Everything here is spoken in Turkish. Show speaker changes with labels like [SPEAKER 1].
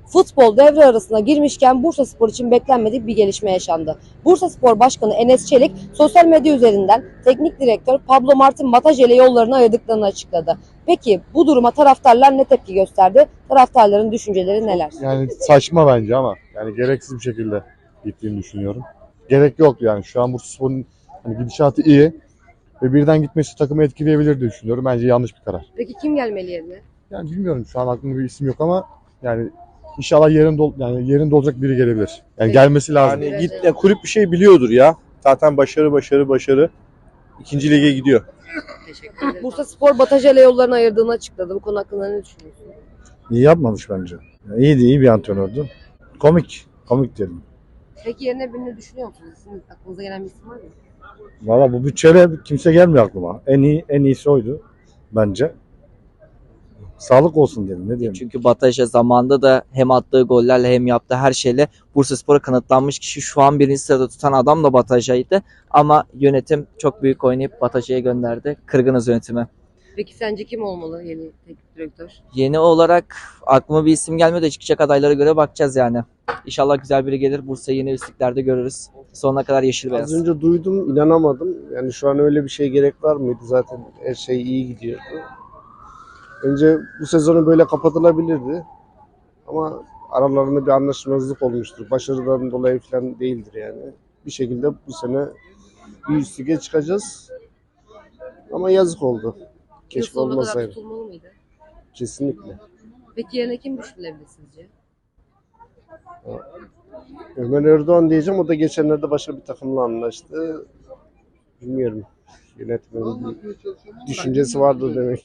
[SPEAKER 1] Futbol devre arasına girmişken Bursaspor için beklenmedik bir gelişme yaşandı. Bursaspor Başkanı Enes Çelik sosyal medya üzerinden teknik direktör Pablo Martin Mataje ile yollarını ayırdıklarını açıkladı. Peki bu duruma taraftarlar ne tepki gösterdi? Taraftarların düşünceleri neler?
[SPEAKER 2] Yani saçma bence ama yani gereksiz bir şekilde gittiğini düşünüyorum. Gerek yok yani. Şu an Bursaspor'un hani gidişatı iyi ve birden gitmesi takımı etkileyebilir diye düşünüyorum. Bence yanlış bir karar.
[SPEAKER 1] Peki kim gelmeli yerine?
[SPEAKER 2] Yani bilmiyorum, şu an aklımda bir isim yok ama yani inşallah yerinde olacak biri gelebilir. Yani gelmesi lazım.
[SPEAKER 3] Yani ya kulüp bir şey biliyordur ya. Zaten başarı. İkinci lige gidiyor.
[SPEAKER 1] Teşekkür ederim. Bursaspor Mataje ile yollarını ayırdığını açıkladı. Bu konu hakkında ne düşünüyorsun?
[SPEAKER 4] İyi yapmamış bence. Yani iyiydi, iyi bir antrenördü. Komik diyelim.
[SPEAKER 1] Peki yerine birini düşünüyor musunuz? Sizin aklınıza gelen bir isim var mı?
[SPEAKER 4] Valla bu bütçeyle kimse gelmiyor aklıma. En iyisi oydu bence. Sağlık olsun diyelim, ne diyelim.
[SPEAKER 5] Çünkü Bataja zamanında da hem attığı gollerle hem yaptığı her şeyle Bursaspor'a kanıtlanmış kişi. Şu an birinci sırada tutan adam da Bataja'ydı. Ama yönetim çok büyük oynayıp Bataja'ya gönderdi. Kırgınız yönetime.
[SPEAKER 1] Peki sence kim olmalı yeni teknik direktör?
[SPEAKER 5] Yeni olarak aklıma bir isim gelmiyor da çıkacak adaylara göre bakacağız yani. İnşallah güzel biri gelir. Bursa'yı yeni üstlüklerde görürüz. Sonuna kadar yeşil beyaz.
[SPEAKER 6] Az önce duydum, inanamadım. Yani şu an öyle bir şeye gerek var mıydı? Zaten her şey iyi gidiyordu. Önce bu sezonu böyle kapatılabilirdi. Ama aralarında bir anlaşmazlık olmuştur. Başarıdan dolayı falan değildir yani. Bir şekilde bu sene bir üst lige çıkacağız. Ama yazık oldu.
[SPEAKER 1] Yıl
[SPEAKER 6] Keşke
[SPEAKER 1] sonuna kadar
[SPEAKER 6] olmasaydı.
[SPEAKER 1] tutulmalı mıydı?
[SPEAKER 6] Kesinlikle.
[SPEAKER 1] Peki yerine kim düşünülebilir sizce?
[SPEAKER 6] Ömer Erdoğan diyeceğim. O da geçenlerde başka bir takımla anlaştı. Bilmiyorum. Yönetmenin bir düşüncesi vardır demek.